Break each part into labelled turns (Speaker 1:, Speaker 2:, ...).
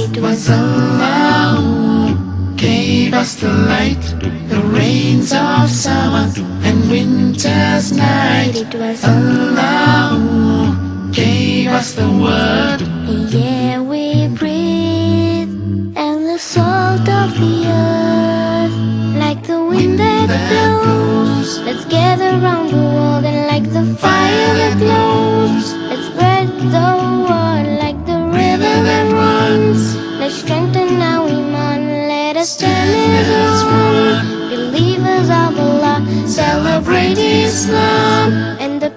Speaker 1: It was Allah who gave us the light, the rains of summer and winter's night. It was Allah who gave us the word. Yeah, we breathe and the salt of the earth, like the wind that blows. Let's gather round the world and like the fire that glows. Let's spread the word like the river that runs. Let's strengthen our iman. Let us stand as one. Believers of Allah, celebrate Islam and the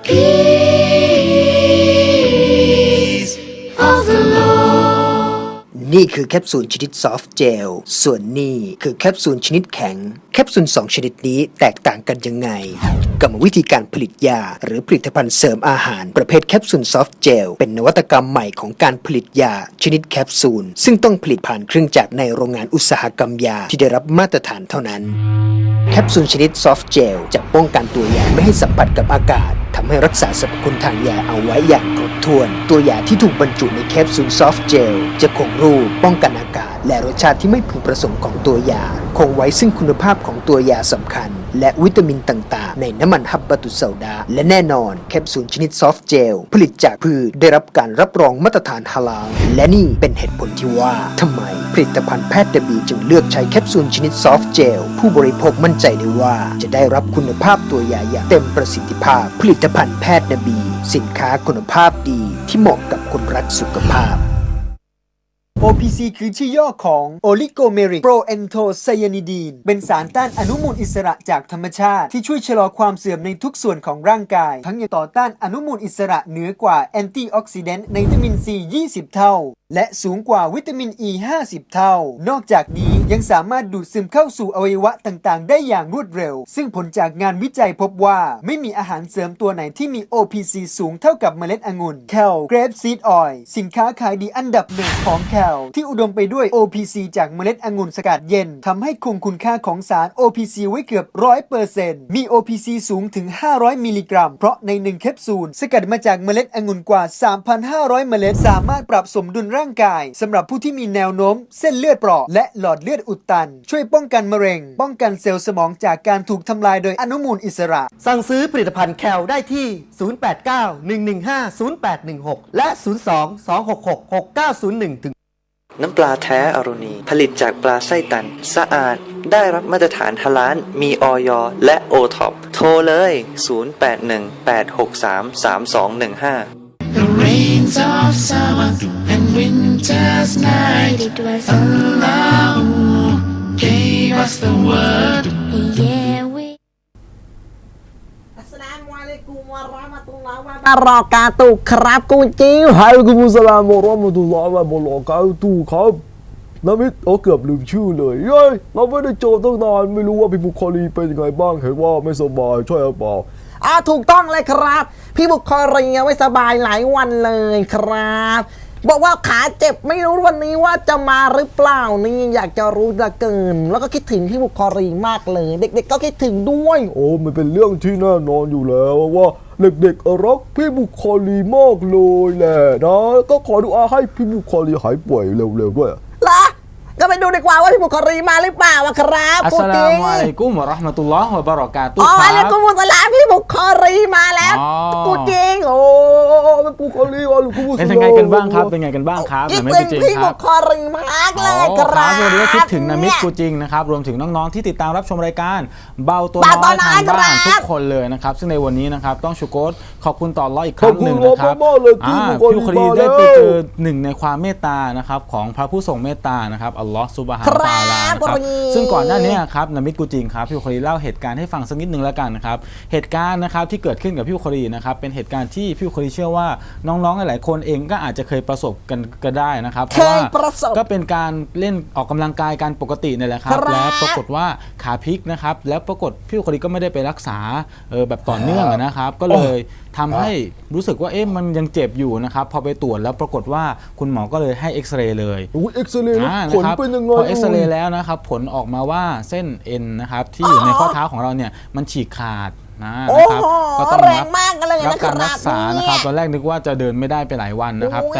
Speaker 1: peace of the Lord.
Speaker 2: นี่คือแคปซูลชนิดซอฟต์เจลส่วนนี่คือแคปซูลชนิดแข็งแคปซูล2ชนิดนี้แตกต่างกันยังไงกรรมวิธีการผลิตยาหรือผลิตภัณฑ์เสริมอาหารประเภทแคปซูลซอฟต์เจลเป็นนวัตกรรมใหม่ของการผลิตยาชนิดแคปซูลซึ่งต้องผลิตผ่านเครื่องจักรในโรงงานอุตสาหกรรมยาที่ได้รับมาตรฐานเท่านั้นแคปซูลชนิดซอฟต์เจลจะป้องกันตัวยาไม่ให้สัมผัสกับอากาศทำให้รักษาสรรพคุณทางยาเอาไว้อย่างครบถ้วนตัวยาที่ถูกบรรจุในแคปซูลซอฟต์เจลจะคงรูปป้องกันอากาศและรสชาติที่ไม่พึงประสงค์ของตัวยาคงไว้ซึ่งคุณภาพของตัวยาสำคัญและวิตามินต่างๆในน้ำมันฮับบะตุสซาดาและแน่นอนแคปซูลชนิดซอฟต์เจลผลิตจากพืชได้รับการรับรองมาตรฐานฮาลาลและนี่เป็นเหตุผลที่ว่าทำไมผลิตภัณฑ์แพทย์นบีจึงเลือกใช้แคปซูลชนิดซอฟต์เจลผู้บริโภคมั่นใจได้ว่าจะได้รับคุณภาพตัวยาอย่างเต็มประสิทธิภาพผลิตภัณฑ์แพทย์นบีสินค้าคุณภาพดีที่เหมาะกับคนรักสุขภาพOPC คือชื่อย่อของ Oligomeric Proanthocyanidine เป็นสารต้านอนุมูลอิสระจากธรรมชาติที่ช่วยชะลอความเสื่อมในทุกส่วนของร่างกายทั้งยังต่อต้านอนุมูลอิสระเหนือกว่าแอนตี้ออกซิแดนต์ในวิตามิน C 20 เท่าและสูงกว่าวิตามิน E 50 เท่านอกจากนี้ยังสามารถดูดซึมเข้าสู่อวัยวะต่างๆได้อย่างรวดเร็วซึ่งผลจากงานวิจัยพบว่าไม่มีอาหารเสริมตัวไหนที่มี OPC สูงเท่ากับเมล็ดองุ่น Kale Grapeseed Oil สินค้าขายดีอันดับหนึ่งของ Kale ที่อุดมไปด้วย OPC จากเมล็ดองุ่นสกัดเย็นทำให้คงคุณค่าของสาร OPC ไว้เกือบ 100% มี OPC สูงถึง 500 มิลลิกรัมเพราะใน1แคปซูลสกัดมาจากเมล็ดองุ่นกว่า 3,500 เมล็ดสามารถปรับสมดุลร่างกายสำหรับผู้ที่มีแนวโน้มเส้นเลือดเปราะและหลอดเลือดอุดตันช่วยป้องกันมะเร็งป้องกันเซลล์สมองจากการถูกทำลายโดยอนุมูลอิสระ
Speaker 3: สั่งซื้อผลิตภัณฑ์แคลได้ที่ 089-115-0816 และ 02-266-6901 ถึง
Speaker 4: น้ำปลาแท้อโรนีผลิตจากปลาไส้ตันสะอาดได้รับมาตรฐานฮาลาลมีอย.และโอท็อปโทรเลย 0818633215
Speaker 1: The rains of summer and winter's night. It was Allah who gave us the word. Yeah, we.
Speaker 3: อัสสลามุอะลัยกุมวะเราะมะตุลลอฮ์วะบะเราะกาตุฮ์ครับกูจิ๋ว
Speaker 5: วะอะลัยกุมุสสลามวะเราะมะตุลลอฮ์วะบะเราะกาตุฮ์ครับนามิดเกือบลืมชื่อเลยเย้ยเราไม่ได้เจอตั้งนานไม่รู้ว่าพี่บุคลีเป็นยังไงบ้างเห็นว่าไม่สบายใช่หรือเปล่า
Speaker 3: ถูกต้องเลยครับพี่บุคลีไม่สบายหลายวันเลยครับบอกว่าขาเจ็บไม่รู้วันนี้ว่าจะมาหรือเปล่านี่อยากจะรู้เหลือเกินแล้วก็คิดถึงพี่บุคลีมากเลยเด็กๆก็คิดถึงด้วย
Speaker 5: โอ้มันเป็นเรื่องที่แน่นอนอยู่แล้วว่าเด็กๆรักพี่บุคลีมากเลยแหละนะก็ขอดุอาให้พี่บุคลีหายป่วยเร็วๆด้วย
Speaker 3: ล่ะก็ไปดูดีกว่าว่าพี่บุคลีมาหรือเปล่าครับ
Speaker 6: อัสสลามุอะลัยกุมวะเราะห์มะตุลลอฮ์วะบะเราะกาตุฮ์
Speaker 3: อะลัยกุมุสสลามพี่บุคลีมาแล้วกูจริง
Speaker 5: โอ้บุคลีอะลัยกุมุสสลาม
Speaker 6: เป็นยังไงกันบ้างครับเป็นไงกันบ้างครับ
Speaker 3: คิดถึงพี่บุคลีมากเลยครับ
Speaker 6: วันนี้ก็คิดถึงนามิดกูจริงนะครับรวมถึงน้องๆที่ติดตามรับชมรายการเบาตัวน้อยทางบ้านทุกคนเลยนะครับซึ่งในวันนี้นะครับต้องชูโกรขอบคุณต่ออัลเลาะห์อีกครั้งหนึ่งนะครับพี่บุคลีได้ไปเจอหนึ่งในความเมตตานะครับของพระผู้ทรงเมตตานะครับอัลเลาะห์ซุบฮานะฮูวะตะอาลานะครับซึ่งก่อนหน้านี้ครับนามิดกูจริงครับพี่บุคลีเล่าเหตุการณ์ให้ฟังสักนิดนึงแล้วกันนะครับเหตุการณ์นะครับที่เกิดขึ้นกับพี่บุคลีนะครับเป็นเหตุการณ์ที่พี่บุคลีเชื่อว่าน้องๆหลายๆคนเองก็อาจจะเคยประสบกันก็ได้นะครับเพราะว่าก็เป็นการเล่นออกกำลังกายกันปกตินี่แหละครับแล้วปรากฏว่าขาพลิกนะครับแล้วปรากฏพี่บุคลีก็ไม่ได้ไปรักษาแบบต่อเนื่องนะครับก็เลยทำให้รู้สึกว่ามันยังเจ็บอยู่นะครับพอไปตรวจแล้วปรากฏว่าคุณหมอก็เลยให้เอ็กซเรย์เลย
Speaker 5: เอ็กซเรย์ผลเป็นยังไง
Speaker 6: พอเอ็กซเรย์แล้วนะครับผลออกมาว่าเส้นเอ็นนะครับที่อยู่ในข้อเท้าของเราเนี่ยมันฉีกขาดนะครับก็ต้องรับการรักษานะครับตอนแรกนึกว่าจะเดินไม่ได้ไปหลายวันนะครับแต่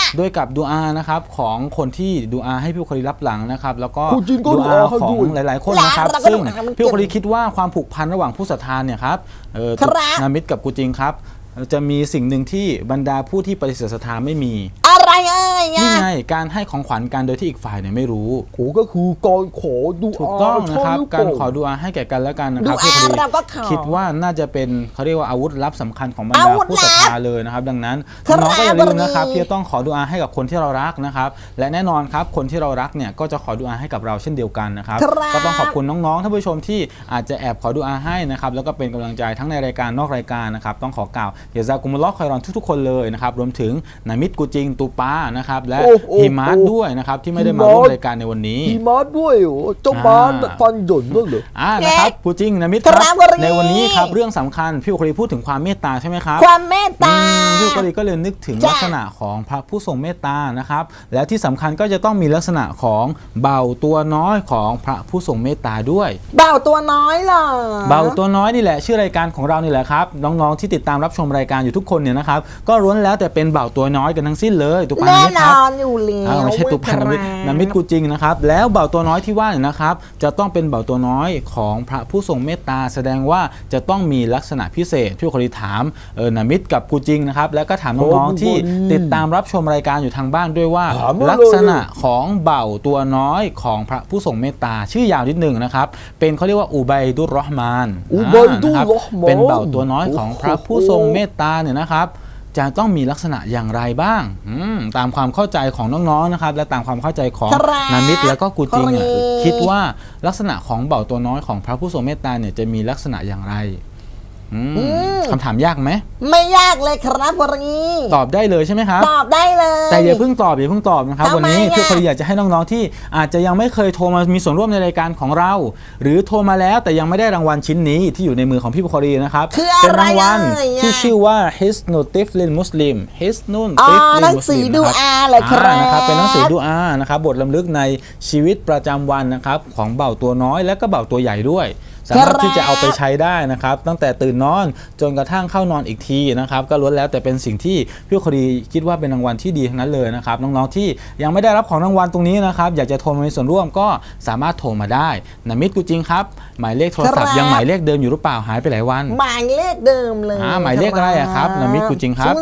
Speaker 6: ด้วยกับดูอานะครับของคนที่ดูอาให้พี่บุคลีรับหลังนะครับแล้วก็
Speaker 5: คุณจินก็
Speaker 6: ดูอา
Speaker 5: ดูอาให้
Speaker 6: ของ
Speaker 5: ด้วย
Speaker 6: หลายๆคนนะครับ
Speaker 3: แล้วเราก็
Speaker 6: ซึ่ง
Speaker 3: ดูอามัน
Speaker 6: พี่บุคลีคิดว่าความผูกพันระหว่างผู้ศรัทธาเนี่ยครับ
Speaker 3: ครับ
Speaker 6: นามิดกับกูจิงครับจะมีสิ่งหนึ่งที่บรรดาผู้ที่ปฏิเสธศรัทธาไม่มี
Speaker 3: อะไรเอ้ย
Speaker 6: นี่ไงการให้ของขวัญกันโดยที่อีกฝ่ายเนี่ยไม่รู้
Speaker 5: โหก็คือการขอดู
Speaker 6: ถูกต้องนะครับ
Speaker 5: ใช่หอเป
Speaker 6: การ
Speaker 5: ล่
Speaker 6: ขอดูอาให้แก่กันและกันนะค
Speaker 3: ดู
Speaker 6: รับ
Speaker 3: อา
Speaker 6: พี่บุคลี
Speaker 3: เราก็ขอ
Speaker 6: คิดว่าน่าจะเป็นเขาเรียกว่าอาวุธลับสำคัญของบรร
Speaker 3: อา
Speaker 6: ดา
Speaker 3: วุธ
Speaker 6: ผู้ศรัท
Speaker 3: ลับ
Speaker 6: ธาเลยนะครับดังนั้น
Speaker 3: ครับ
Speaker 6: น้องๆก็อย่าลืมนะครับ
Speaker 3: วันนี้
Speaker 6: ที่จะต้องขอดูอาให้กับคนที่เรารักนะครับและแน่นอนครับคนที่เรารักเนี่ยก็จะขอดูอาให้กับเราเช่นเดียวกันนะครับ
Speaker 3: ครับ
Speaker 6: ก็ต้องขอบคุณน้องๆท่านผู้ชมที่อาจจะแอบขอดูอาให้นะครับแล้วก็เป็นกำลังใจทั้งในรายการนอกรายการนะครับต้องขอกล่าวเยาซากุมุลลอฮ์คอยรอนทุกๆคนเลยนะครับรวมถึงนามิดกูจิงตูปานะครับและ
Speaker 5: โอ้โอ้
Speaker 6: ฮิมาร์ทด้วยนะครับที่ไม่ได้มาร่วมรายการในวันนี้
Speaker 5: มีม้าด้วยเหรอเจ้าม้าฟันหย่นด้วยเหรอ
Speaker 6: นะครับกูจิงนามิดค
Speaker 3: ครั
Speaker 6: รั
Speaker 3: บบ วันนี้
Speaker 6: ในวันนี้ครับเรื่องสำคัญพี่บุคลีพูดถึงความเมตตาใช่ไหมครับ
Speaker 3: ความเมตตา
Speaker 6: พี่บุคลีก็เลยนึกถึง
Speaker 3: จ้ะ
Speaker 6: ลักษณะของพระผู้ทรงเมตตานะครับแล้วที่สำคัญก็จะต้องมีลักษณะของเบาตัวน้อยของพระผู้ทรงเมตตาด้วย
Speaker 3: เบาตัวน้อยเหรอ
Speaker 6: เบาตัวน้อยนี่แหละชื่อรายการของเรานี่แหละครับน้องๆที่ติดตามรับชมรายการอยู่ทุกคนเนี่ยนะครับก็ล้วนแล้วแต่เป็นเบาตัวน้อยกันทั้งสิ้นเลยตุปา
Speaker 3: แน่
Speaker 6: นิด
Speaker 3: น
Speaker 6: ครับ
Speaker 3: อนอยู่แล้ว
Speaker 6: ไม่ใช่ตุปานามิดนามิดกูจริงนะครับแล้วเบาตัวน้อยที่ว่าเนี่ยนะครับจะต้องเป็นเบาตัวน้อยของพระผู้ทรงเมตตาแสดงว่าจะต้องมีลักษณะพิเศษพี่บุคลีถามนามิดกับกูจริงนะครับแล้วก็ถามน้องๆที่ติดตามรับชมรายการอยู่ทางบ้านด้วยว่า
Speaker 5: ถามมาเลย
Speaker 6: ลักษณะของเบาตัวน้อยของพระผู้ทรงเมตตาชื่อยาวนิดหนึ่งนะครับเป็นเขาเรียกว่าอุบัยดุรเราะห์มาน
Speaker 5: อุบัยดุร
Speaker 6: นะครับ
Speaker 5: เราะห์มาน
Speaker 6: เป็นเบาตัวน้อยของพระผู้ทรงเมตตาเนี่ยนะครับ จะต้องมีลักษณะอย่างไรบ้างตามความเข้าใจของน้องๆนะครับและตามความเข้าใจของ
Speaker 3: ครับ
Speaker 6: นามิดแล้วก็กูจิงเนี่ย
Speaker 3: ครับ
Speaker 6: คิดว่าลักษณะของเบาตัวน้อยของพระผู้ทรงเมตตาเนี่ยจะมีลักษณะอย่างไรคำถามยากไหม
Speaker 3: ไม่ยากเลยครับวันนี้
Speaker 6: ตอบได้เลยใช่ไหมครับ
Speaker 3: ตอบได้เลย
Speaker 6: แต่อย่าเพิ่งตอบนะครับ
Speaker 3: ทำไม
Speaker 6: วันนี้
Speaker 3: อ่ะ
Speaker 6: พี่คลีอยากจะให้น้องๆที่อาจจะยังไม่เคยโทรมามีส่วนร่วมในรายการของเรา หรือโทรมาแล้วแต่ยังไม่ได้รางวัลชิ้นนี้ที่อยู่ในมือของพี่บุคลีนะครับ
Speaker 3: คืออะไร
Speaker 6: เป็นรางวัล
Speaker 3: อ่ะ
Speaker 6: ที่ชื่อว่า Hisnul Tiflin Muslim Hisnul
Speaker 3: อ๋อ
Speaker 6: Tiflin
Speaker 3: หนังสือ
Speaker 6: Muslim
Speaker 3: ดูอาเหรอครับ
Speaker 6: นะครับเป็นหนังสือดูอานะครับบทรำลึกในชีวิตประจำวันนะครับของเบาตัวน้อยและก็เบาตัวใหญ่ด้วย สามารถที่จะเอาไปใช้ได้นะครับตั้งแต่ตื่นนอนจนกระทั่งเข้านอนอีกทีนะครับก็ล้วนแล้วแต่เป็นสิ่งที่พี่คดีคิดว่าเป็นรางวัลที่ดีทั้งนั้นเลยนะครับน้องๆที่ยังไม่ได้รับของรางวัลตรงนี้นะครับอยากจะโทรมามีส่วนร่วมก็สามารถโทรมาได้นามิดกูจริงครับหมายเลขโทรศัพท์ยังหมายเลขเดิมอยู่หรือเปล่าหายไปหลายวัน
Speaker 3: หมายเลขเดิมเลย
Speaker 6: หมายเลขอะไรอะครับนามิดกูจริงครับ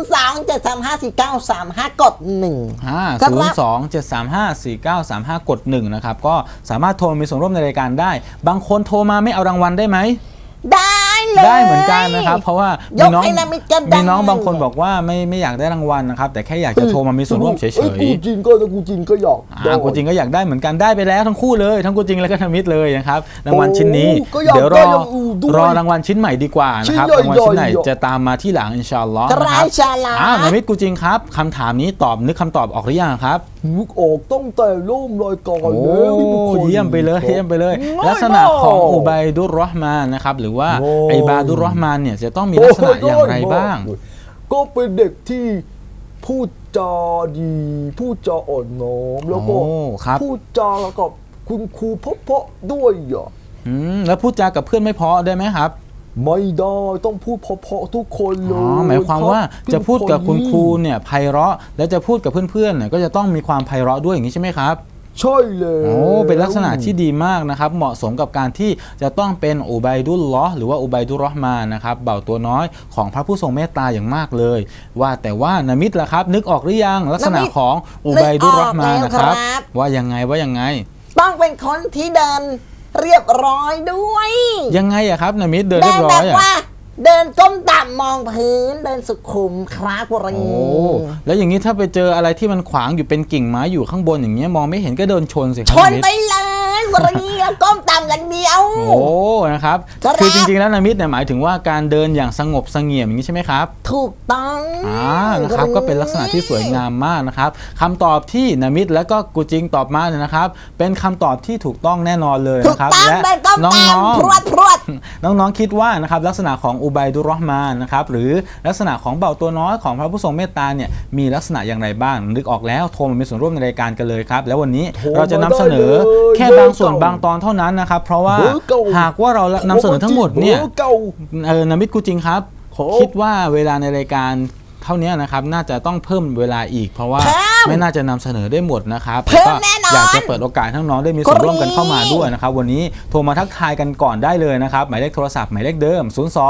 Speaker 3: 027354935 กด 1
Speaker 6: 027354935 กด 1นะครับก็สามารถโทรมีส่วนร่วมในรายการได้บางคนโทรมาไม่เอารางวัลได้ไหม
Speaker 3: ได้เลย
Speaker 6: ได้เหมือนกันนะครับเพราะว่าย
Speaker 3: กให้นามิดก็ได้
Speaker 6: มีน้องบางคนบอกว่าไม่อยากได้รางวัลนะครับแต่แค่อยากจะโทรมามีส่วนร่วมเฉย
Speaker 5: กูจริงก็ถ้ากูจริงก็อยากได้
Speaker 6: กูจริงก็อยากได้เหมือนกันได้ไปแล้วทั้งคู่เลยทั้งกูจริงและก็นามิดเลยนะครับรางวัลชิ้นนี้
Speaker 5: ก็อยาก
Speaker 6: เดี๋ยวร
Speaker 5: ได้
Speaker 6: อ
Speaker 5: อย่างอื่นด้วย
Speaker 6: รอรางวัลชิ้นใหม่ดีกว่านะครับ
Speaker 5: ชิ้นใหญ่ๆ
Speaker 6: รางวัลชิ้นไหนจะตามมาที่หลังอินชาอัลลอฮ์นะครับ
Speaker 3: อินชาอัลลอฮ์
Speaker 6: นามิดกูจริงครับคำถามนี้นึกคำตอบออกหรือยังครับ
Speaker 5: นึกออกตั้งแต่เริ่มรายการ
Speaker 6: โอ้
Speaker 5: แล้วนี่มันคน
Speaker 6: เยี่ยมไปเลยเยี่ยมไปเลย
Speaker 5: ง่าย
Speaker 6: ลักษณะของ
Speaker 5: มาก
Speaker 6: อุบัยดุรเราะห์มานนะครับหรือว่า
Speaker 5: โอ้
Speaker 6: ไอบาดุรเราะห์มานเนี่ยจะต้องมีลักษณะอย่างไรบ้าง
Speaker 5: ก็เป็นเด็กที่พูดจาดีพูดจาอ่อนน้อมแล้วก็
Speaker 6: โอ้ครับ
Speaker 5: พูดจากับคุณครูเพราะๆด้วยอ่ะ
Speaker 6: แล้วพูดจากับเพื่อนไม่เพอได้ไหมครับ
Speaker 5: ไม่ได้ต้องพูดเพราะๆทุกคนเล
Speaker 6: อ๋อย หมายความว่า
Speaker 5: รับ
Speaker 6: จะพูดกับคุณครู
Speaker 5: พี่
Speaker 6: เนี่ยไพเราะและจะพูดกับเพื่อนๆเนี่ยก็จะต้องมีความไพเราะด้วยอย่างนี้ใช่ไหมครับ
Speaker 5: ใช่เลย
Speaker 6: โอ้เป็นลักษณะที่ดีมากนะครับเหมาะสมกับการที่จะต้องเป็นอุบัยดุลลอฮ์หรือว่าอุบัยดุรเราะห์มานนะครับเบาตัวน้อยของพระผู้ทรงเมตตาอย่างมากเลย ว่าแต่ว่านามิดล่ะครับนึกออกหรือยังลักษณะของอุบัยดุรเราะห์มานนะครับว่ายังไง
Speaker 3: ต้องเป็นคนที่เดินเรียบร้อยด้วย
Speaker 6: ยังไงอะครับนามิดเดินเรียบร้อย
Speaker 3: แบบ
Speaker 6: อะ
Speaker 3: ว่าเดินก้มต่ำมองพื้นเดินสุขุมครับวรี
Speaker 6: โอ้แล้วอย่างนี้ถ้าไปเจออะไรที่มันขวางอยู่เป็นกิ่งไม้อยู่ข้างบนอย่างเงี้ยมองไม่เห็นก็โดนชนสิค
Speaker 3: ช
Speaker 6: รับ
Speaker 3: น
Speaker 6: นามิด
Speaker 3: ไปเลยวรีแล้วก้มต่ำอย่างเดียว
Speaker 6: โอ้นะครับ
Speaker 3: ครับ
Speaker 6: คือจริงๆแล้วนามิดเนี่ยหมายถึงว่าการเดินอย่างสงบเสงี่ยมอย่างนี้ใช่ไหมครับ
Speaker 3: ถูกต้อง
Speaker 6: นะครับก็เป็นลักษณะที่สวยงามมากนะครับคำตอบที่นามิดและก็กูจิงตอบมาเนี่ยนะครับ เป็นคำตอบที่ถูกต้องแน่นอนเลย
Speaker 3: ถูก
Speaker 6: นะครับ
Speaker 3: ต้อง
Speaker 6: และ
Speaker 3: เดินก้ม
Speaker 6: น้อง
Speaker 3: ต่ำพรวดพรวด
Speaker 6: ๆน้องๆคิดว่านะครับลักษณะของอุบัยดุรเราะห์มานนะครับหรือลักษณะของเบาตัวน้อยของพระผู้ทรงเมตตาเนี่ยมีลักษณะอย่างไรบ้างนึกออกแล้วโทรมามีส่วนร่วมในรายการกันเลยครับแล้ววันนี้เราจะนำเสนอแค่บางส่วนบางตอนเท่านั้นนะครับเพราะว่าหากว่าเรานำเสนอทั้งหมดเนี่ย
Speaker 5: บอร์เก่า
Speaker 6: นามิดกูจริงครับ
Speaker 5: ครับ
Speaker 6: คิดว่าเวลาในรายการทเท่านี้นะครับน่าจะต้องเพิ่มเวลาอีกเพราะว่า
Speaker 3: เพิ่ม
Speaker 6: ไม่น่าจะนำเสนอได้หมดนะครับ
Speaker 3: เพิ่ม
Speaker 6: ก็
Speaker 3: แน่นอน
Speaker 6: อยากจะเปิดโอกาสให้น้องๆได้มีส่วนร่วมกันเข้ามาด้วย
Speaker 3: กรี๊ด
Speaker 6: นะครับวันนี้โทรมาทักทายกันก่อนได้เลยนะครับหมายเลขโทรศัพท์หมายเลขเดิม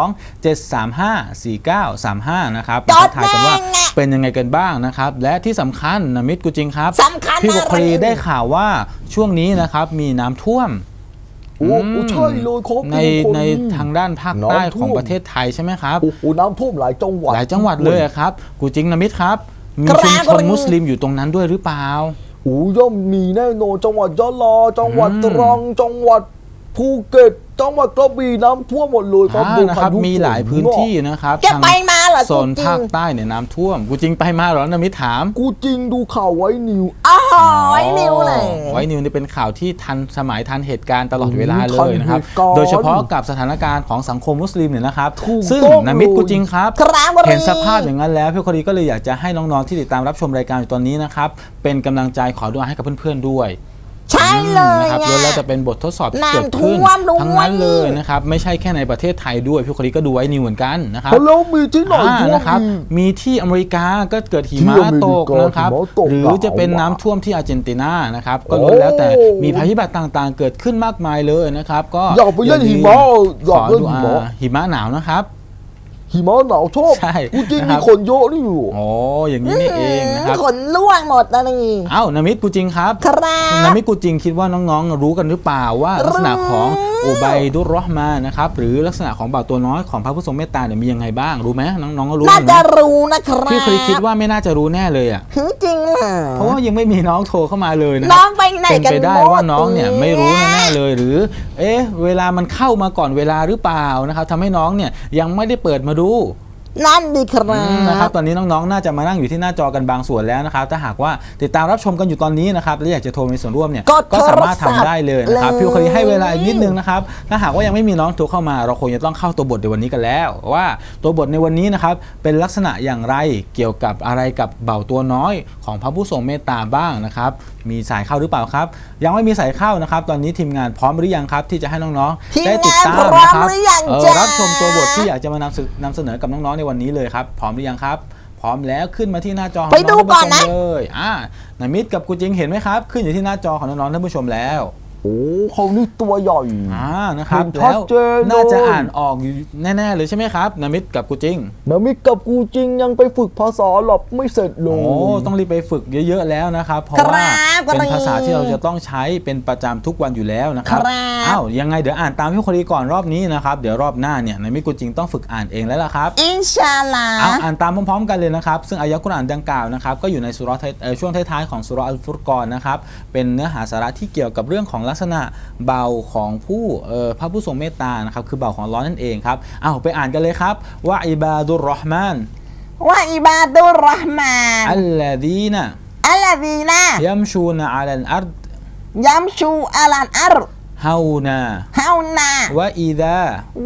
Speaker 6: 02-735-4935 นะครับ
Speaker 3: จ
Speaker 6: ทั
Speaker 3: ด
Speaker 6: กทายกันว่า
Speaker 3: แม่งอะ
Speaker 6: เป็นยังไงกันบ้างนะครับและที่สำคัญนะมิตรกูจริงครับ
Speaker 3: สำคัญ
Speaker 6: พี่บุคลี
Speaker 3: อะไร
Speaker 6: ได้ข่าวว่าช่วงนี้นะครับมีน้ำท่วม
Speaker 5: โอ้โหใช่เลยครับ
Speaker 6: ใน
Speaker 5: ทุกคน
Speaker 6: ในทางด้านภาคใต้
Speaker 5: น้ำท่วม
Speaker 6: ของประเทศไทยใช่ไหมครับ
Speaker 5: โอ้โหน้ำท่วมหลายจังหวัด
Speaker 6: หลายจังหวัดเลยอะครับกูจริงนะมิตรครับมี
Speaker 3: ครับ
Speaker 6: ชุมชนมุสลิมอยู่ตรงนั้นด้วยหรือเปล่า
Speaker 5: โอ้ย่อมมีแน่นอนจังหวัดยะลาจังหวัด
Speaker 6: อืม
Speaker 5: ตรังจังหวัดภูเก็ตจังหวัดกระบี่น้ำท่วมหมดเลยครับโดน
Speaker 6: นะครับ
Speaker 5: พายุ
Speaker 6: มีหลายพื้นที่นะครับ
Speaker 3: แกไปมาเหรอ
Speaker 6: โซน
Speaker 3: จริงๆ
Speaker 6: ภาคใต้เนี่ยน้ำท่วมกูจริงไปมาเหรอนะมิตรถาม
Speaker 5: กูจริงดูข่าวไว้นิว
Speaker 3: อ๋อไอ้นิวเลย
Speaker 6: ไว้นิวนี่เป็นข่าวที่ทันสมัยทันเหตุการณ์ตลอดเวลาเล
Speaker 5: ทัน
Speaker 6: ยนะครับ
Speaker 5: เหตุการณ์
Speaker 6: โดยเฉพาะกับสถานการณ์ของสังคมมุสลิมเนี่ยนะครับ
Speaker 5: ถูก
Speaker 6: ซึ่ง
Speaker 5: ต้อง
Speaker 6: นะมิตร
Speaker 5: เลย
Speaker 6: กูจริงครับ
Speaker 3: ครับ
Speaker 6: เห็นสภาพอย่างนั้นแล้วพี่คนดีก็เลยอยากจะให้น้องๆที่ติดตามรับชมรายการอยู่ตอนนี้นะครับเป็นกำลังใจขอดุอาให้กับเพื่อนๆด้วย
Speaker 3: ใช่เลย
Speaker 6: นะครับ
Speaker 3: ไง
Speaker 6: แล้วจะเป็นบททดสอบที่เกิดขึ้น
Speaker 3: น้ำท่วมด้วย
Speaker 6: ทั้งนั้นเลยนะครับไม่ใช่แค่ในประเทศไทยด้วยพี่คนดีก็ดูไว้นิวเหมือนกันนะครับ
Speaker 5: แล้วมีที่ไหนท่วม
Speaker 6: นะครับ
Speaker 5: อีก
Speaker 6: มีที่อเมริกาก็เกิดหิ
Speaker 5: ที่
Speaker 6: มะ
Speaker 5: อเมริกา
Speaker 6: ตกนะครับ
Speaker 5: หิมะตก
Speaker 6: หรือจะเป็นน้ำท่วมที่อาร์เจนตินานะครับก็ล้วนแล้วแต่มีภัยพิบัติต่างๆ เกิดขึ้นมากมายเลยนะครับก็
Speaker 5: อยากไปเล่นหิมะอยาก
Speaker 6: ขอ
Speaker 5: เล่น
Speaker 6: ดู
Speaker 5: หิมะ
Speaker 6: หิมะหนาวนะครับ
Speaker 5: หิมะหนาวชอบ
Speaker 6: ใช่
Speaker 5: กูจริง
Speaker 6: นะครับ
Speaker 5: มีคนเยอะนี่อยู่
Speaker 6: โอ้อย่างนี้นี่เองนะครับ
Speaker 3: ขนล่วงหมดนะนี่
Speaker 6: เอ้านามิตกูจริงครับ
Speaker 3: ครับ
Speaker 6: นามิตกูจริงคิดว่าน้องๆรู้กันหรือเปล่าว่าลักษณะของอุบัยดุรเราะห์มานนะครับหรือลักษณะของบ่าวตัวน้อยของพระผู้ทรงเมตตาเนี่ยมียังไงบ้างรู้ไหมน้องๆก็รู้
Speaker 3: น่า
Speaker 6: กัน
Speaker 3: จะ
Speaker 6: นะ
Speaker 3: รู้นะครับ
Speaker 6: พี่เคยคิดว่าไม่น่าจะรู้แน่เลยอ่ะ
Speaker 3: จริงเหรอ
Speaker 6: เพราะว่ายังไม่มีน้องโทรเข้ามาเลยนะค
Speaker 3: น้
Speaker 6: รั
Speaker 3: องไปไหน
Speaker 6: เป็น
Speaker 3: กัน
Speaker 6: ไปได้
Speaker 3: หม
Speaker 6: ว่าน้องเนี่ยไม่รู้แน่ๆ
Speaker 3: เลย
Speaker 6: เลยหรือ เอ๊ะเวลามันเข้ามาก่อนเวลาหรือเปล่านะครับทำให้น้องเนี่ยยังไม่ได้เปิดมาดู
Speaker 3: นั่นดีครั
Speaker 6: นะครับ
Speaker 3: บ
Speaker 6: ตอนนี้น้องๆน่าจะมานั่งอยู่ที่หน้าจอกันบางส่วนแล้วนะครับถ้าหากว่าติดตามรับชมกันอยู่ตอนนี้นะครับและอยากจะโทรมีส่วนร่วมเนี่ย
Speaker 3: กด
Speaker 6: ก็สามารถทำได้เลยนะครับ
Speaker 3: โทรศัพท์
Speaker 6: พี่เคยให้เวลาอีกนิดนึง
Speaker 3: เลย
Speaker 6: นะครับถ้าหากว่ายังไม่มีน้องโทรเข้ามาเราคงจะต้องเข้าตัวบทในวันนี้กันแล้ว ว่าตัวบทในวันนี้นะครับเป็นลักษณะอย่างไรเกี่ยวกับอะไรกับเบาตัวน้อยของพระผู้ทรงเมตตาบ้างนะครับมีสายเข้าหรือเปล่าครับยังไม่มีสายเข้านะครับตอนนี้ทีมงานพร้อมหรือยังครับที่จะให้น้อง
Speaker 3: ทีม
Speaker 6: ๆได้ติดตาม
Speaker 3: งานพร้อม
Speaker 6: นะครับ
Speaker 3: หรือยังจ๊ะ
Speaker 6: รับชมตัวบทที่อยากจะมานำเสนอกับน้องๆในวันนี้เลยครับพร้อมหรือยังครับพร้อมแล้วขึ้นมาที่หน้าจอของ
Speaker 3: ไปดูก่อนนะ
Speaker 6: งๆเลยนามิตกับกูจริงเห็นไหมครับขึ้นอยู่ที่หน้าจอของน้องๆท่านผู้ชมแล้ว
Speaker 5: โอ้เขานี่ตัวใหญ่
Speaker 6: นะครับ
Speaker 5: เห็นชัด
Speaker 6: แล้ว
Speaker 5: เจนเลย
Speaker 6: น่าจะอ่านออกอยู่แน่ๆเลยใช่ไหมครับนามิตกับกูจริง
Speaker 5: นามิกับกูจริงยังไปฝึกภาษาหลับไม่เสร็จเล
Speaker 6: โอ้
Speaker 5: ย
Speaker 6: ต้องรีบไปฝึกเยอะๆแล้วนะครับเพราะ
Speaker 3: ครับ
Speaker 6: ว่าเป็น
Speaker 3: ครับ
Speaker 6: ภาษาที่เราจะต้องใช้เป็นประจำทุกวันอยู่แล้วนะครับ
Speaker 3: ครับ
Speaker 6: อ้าวยังไงเดี๋ยวอ่านตามพี่คนดีก่อนรอบนี้นะครับเดี๋ยวรอบหน้าเนี่ยนามิตกูจริงต้องฝึกอ่านเองแล้วล่ะครับ
Speaker 3: อินชาอัลลา
Speaker 6: อ่านตามพร้อมๆกันเลยนะครับซึ่งอายะห์กุรอานดังกล่าวนะครับก็อยู่ในสุเราะห์ช่วงท้ายๆของสุเราะห์อัลฟุรกอนนะครับเป็นเนื้อหาสาระที่เกี่ยวกับเรื่องของลักษณะเบาของพระผู้ทรงเมตตานะครับคือเบาของอัลเลาะห์นั่นเองครับไปอ่านกันเลยครับว่าอิบาดุรเราะห์มาน
Speaker 3: ว่าอิบาดุรเราะห์มาน
Speaker 6: อัลลดีนะ
Speaker 3: อัลลดีนะ
Speaker 6: ยัมชูนอะลัลอัรฎ
Speaker 3: ยัมชูอัลันอัร
Speaker 6: ฮาวนา
Speaker 3: ฮาวนาว
Speaker 6: ะอิดาว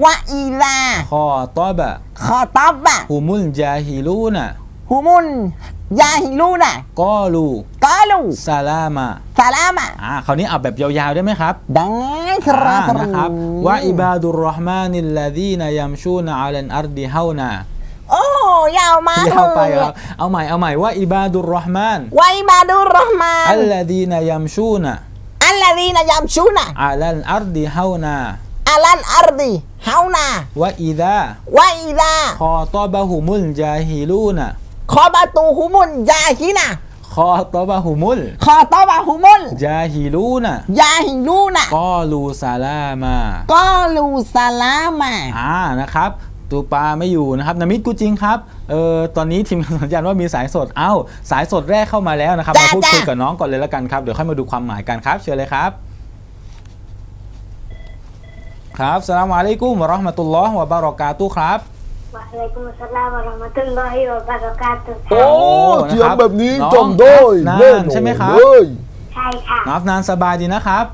Speaker 3: ะอีลา
Speaker 6: คอตอบะ
Speaker 3: ขอตอบบะ
Speaker 6: ฮุมุลจาฮิลูนะ
Speaker 3: ฮุมุนยาฮิลูนะ
Speaker 6: กอลู
Speaker 3: กาลู
Speaker 6: ซาลามะ
Speaker 3: สลามะ
Speaker 6: คราวนี้เอาแบบยาวๆได้ไหมครับ
Speaker 3: ดังครับ
Speaker 6: นะครับว่าอิบาดุรเราะห์มานิลลาดีนยัมชูนอะลัลอัรฎิฮาวนา
Speaker 3: โอ้ยาวมาก
Speaker 6: ยาวไป
Speaker 3: เลย
Speaker 6: ครับเอาใหม่ว่าอิบาดุรเราะห์มาน
Speaker 3: ว่าอิบาดุรเราะห์มาน
Speaker 6: อัลลาดีนยัมชูน
Speaker 3: อัลลดีนะยัมชูนะ
Speaker 6: อะลัลอัรฎิฮาวนา
Speaker 3: อัลันอัรดีฮาวนาว
Speaker 6: ะอิดาว
Speaker 3: ะอีลา
Speaker 6: คอตอบะฮุมุลจาฮิลูนะ
Speaker 3: ขอบาตูฮุมุนยาฮินะ
Speaker 6: คอตอบะฮุมุล
Speaker 3: ขอตอบะฮุมุน
Speaker 6: จาฮิลูนะ
Speaker 3: ยาฮิลูนะ
Speaker 6: กอลูซาลามะ
Speaker 3: กอลูสลามะ
Speaker 6: นะครับตูปาไม่อยู่นะครับนามิตกูจริงครับตอนนี้ทีมงานสัญญาณว่ามีสายสดสายสดแรกเข้ามาแล้วนะครับมาพูดคุยกับน้องก่อนเลยแล้วกันครับเดี๋ยวค่อยมาดูความหมายกันครับเชิญเลยครับครับอัสสลามุอะลัยกุมวะเราะห์มะตุลลอฮ์วะบารอกาตุฮ์ครับ
Speaker 7: วะอะลัยกุมุสสลามวะเราะห์มะตุลลอฮิวะบะเราะกาตุฮ์
Speaker 5: โอ้
Speaker 6: นะครับ
Speaker 5: เสียงแบบนี้
Speaker 6: น้อง
Speaker 5: จำได้
Speaker 6: อัฟนาน
Speaker 5: แน่นอน
Speaker 6: ใช่ไหมครับ
Speaker 5: เลย
Speaker 7: ใช่ค่ะ
Speaker 6: น้องอัฟนานสบายดีนะครับ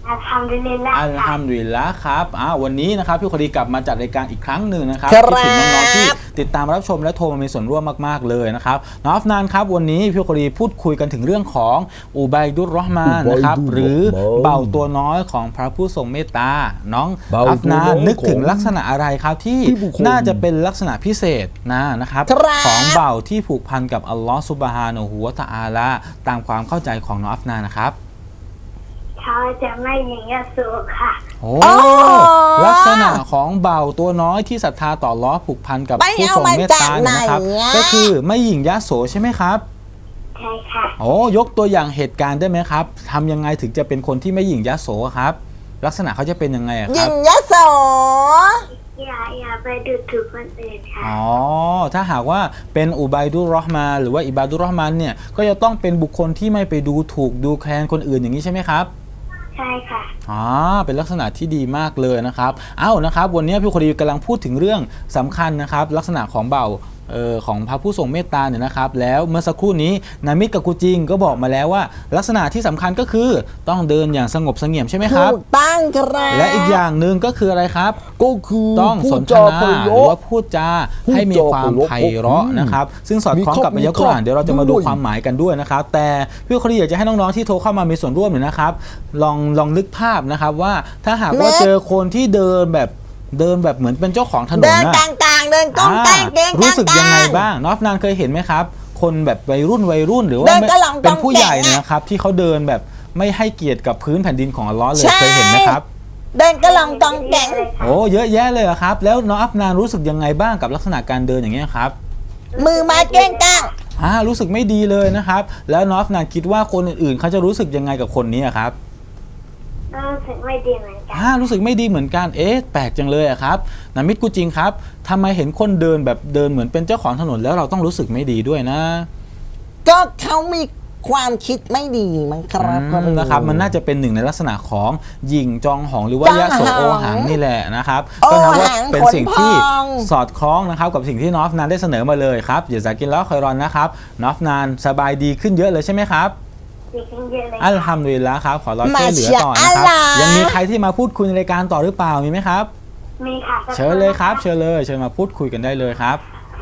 Speaker 7: อัลฮัมดุลิลลาห์
Speaker 6: อัลฮัมดุลิลละครับวันนี้นะครับพี่คนดีกลับมาจัดรายการอีกครั้งหนึ่งนะครับ
Speaker 3: ครับ
Speaker 6: คิดถึงน้องๆที่ติดตามรับชมและโทรมามีส่วนร่วมมากๆเลยนะครับน้องอัฟนานครับวันนี้พี่คนดีพูดคุยกันถึงเรื่องของอุบัยดุรเราะห์มานนะครับหรือเบาตัวน้อยของพระผู้ทรงเมตตาน้องอัฟนานนึกถึงลักษณะอะไรครับที่น่าจะเป็นลักษณะพิเศษนะครับ
Speaker 3: ครับ
Speaker 6: ของเบาที่ผูกพันกับอัลลอฮฺซุบฮานะฮูวะตะอาลาตามความเข้าใจของน้องอัฟนานนะครับ
Speaker 7: เขาจะไม่ยิงยาสูบค่ะ
Speaker 6: โอ้ลักษณะของเบาตัวน้อยที่ศรัทธาต่ออัลเลาะห์ผูกพันกับ
Speaker 3: ไป
Speaker 6: ผู้
Speaker 3: เอา
Speaker 6: ทรง
Speaker 3: มา
Speaker 6: เมต
Speaker 3: จาก
Speaker 6: ตา
Speaker 3: ไหน
Speaker 6: นะครับ
Speaker 3: อะ
Speaker 6: ก็คือไม่หยิ่งยโสใช่ไหมครับ
Speaker 7: ใช่ค่ะ
Speaker 6: โอ้ยกตัวอย่างเหตุการณ์ได้ไหมครับทำยังไงถึงจะเป็นคนที่ไม่หยิ่งยโสครับ ลักษณะเขาจะเป็นยังไงอะค
Speaker 3: ยิ
Speaker 6: รับ
Speaker 3: งยะโส
Speaker 7: อย่าไปดูถูกคนอื่นค่ะ
Speaker 6: อ๋อถ้าหากว่าเป็นอุบัยดุรเราะห์มานหรือว่าอิบาดุรเราะห์มานเนี่ยก็จะต้องเป็นบุคคลที่ไม่ไปดูถูกดูแคลนคนอื่นอย่างนี้ใช่ไหมครับ
Speaker 7: ใช่ค่ะ
Speaker 6: เป็นลักษณะที่ดีมากเลยนะครับนะครับวันนี้พี่คนดีกำลังพูดถึงเรื่องสำคัญนะครับลักษณะของเบาของพระผู้ทรงเมตตาเนี่ยนะครับแล้วเมื่อสักครู่นี้นามิดกับกูจิงก็บอกมาแล้วว่า ลักษณะที่สำคัญก็คือต้องเดินอย่างสงบเสงี่ยมใช่ไหมครับ
Speaker 3: ถูกต้องครับ
Speaker 6: และอีกอย่างหนึ่งก็คืออะไรครับ
Speaker 5: ก็คือ
Speaker 6: ต้องสนทนาหรือว่าพูดจาให้มีความไพเราะนะครับซึ่งสอดคล้องกับอายะห์กุรอานเดี๋ยวเราจะมาดูความหมายกันด้วยนะครับแต่พี่คนดีอยากจะให้น้องๆที่โทรเข้ามามีส่วนร่วมเนี่ยนะครับลองนึกภาพนะครับว่าถ้าหากว่าเจอคนที่เดินแบบเหมือนเป็นเจ้าของถนน
Speaker 3: เดิน
Speaker 6: นะ
Speaker 3: กลางๆเดินก้องแกงเดินกลางๆ
Speaker 6: รู้สึกยังไงบ้างนอฟนานเคยเห็นไหมครับ คนแบบวัยรุ่นหรือว่า
Speaker 3: เดินกะหล่องกองแกง
Speaker 6: เป็นผู้ใหญ่นะครับที่เขาเดินแบบไม่ให้เกียรติกับพื้นแผ่นดินของอัลเลาะห์เลย
Speaker 3: ใช่
Speaker 6: เคยเห็นไหมครับ
Speaker 3: เดินกระหล่องกองแกง
Speaker 6: โอ้เยอะแยะเลยเหรอครับแล้วน้องอัฟนานรู้สึกยังไงบ้างกับลักษณะการเดินอย่างเงี้ยครับ
Speaker 3: มือไม้เก้งก้าง
Speaker 6: รู้สึกไม่ดีเลยนะครับแล้วน้องอัฟนานคิดว่าคนอื่นๆเขาจะรู้สึกยังไงกับคนนี้อะครับ
Speaker 7: รู้สึกไม่ดีเหมือนกัน
Speaker 6: รู้สึกไม่ดีเหมือนกันแปลกจังเลยอะครับนามิดกูจริงครับทำไมเห็นคนเดินแบบเดินเหมือนเป็นเจ้าของถนนแล้วเราต้องรู้สึกไม่ดีด้วยนะ
Speaker 3: ก็เขามีความคิดไม่ดีมั้งครับ
Speaker 6: นะครับมันน่าจะเป็นหนึ่งในลักษณะของหยิ่งจองหองหรือว่ายะโสโอหังนี่แหละนะครับก็นับว่าเป็นสิ่งที่สอดคล้องนะครับกับสิ่งที่นอฟนานได้เสนอมาเลยครับอย่าซากินแล้วคอยรอนนะครับนอฟนานสบายดีขึ้นเยอะเลยใช่ไหมครับ
Speaker 7: ดีขึ้นเยอะเลย
Speaker 6: อัลฮัมดุลิลละครับขอรอช่วยเหลือต่อนะครับยังมีใครที่มาพูดคุยในรายการต่อหรือเปล่ามีไหมครับ
Speaker 7: มีค่ะ
Speaker 6: เชิญเลยครับเชิญมาพูดคุยกันได้เลยครับ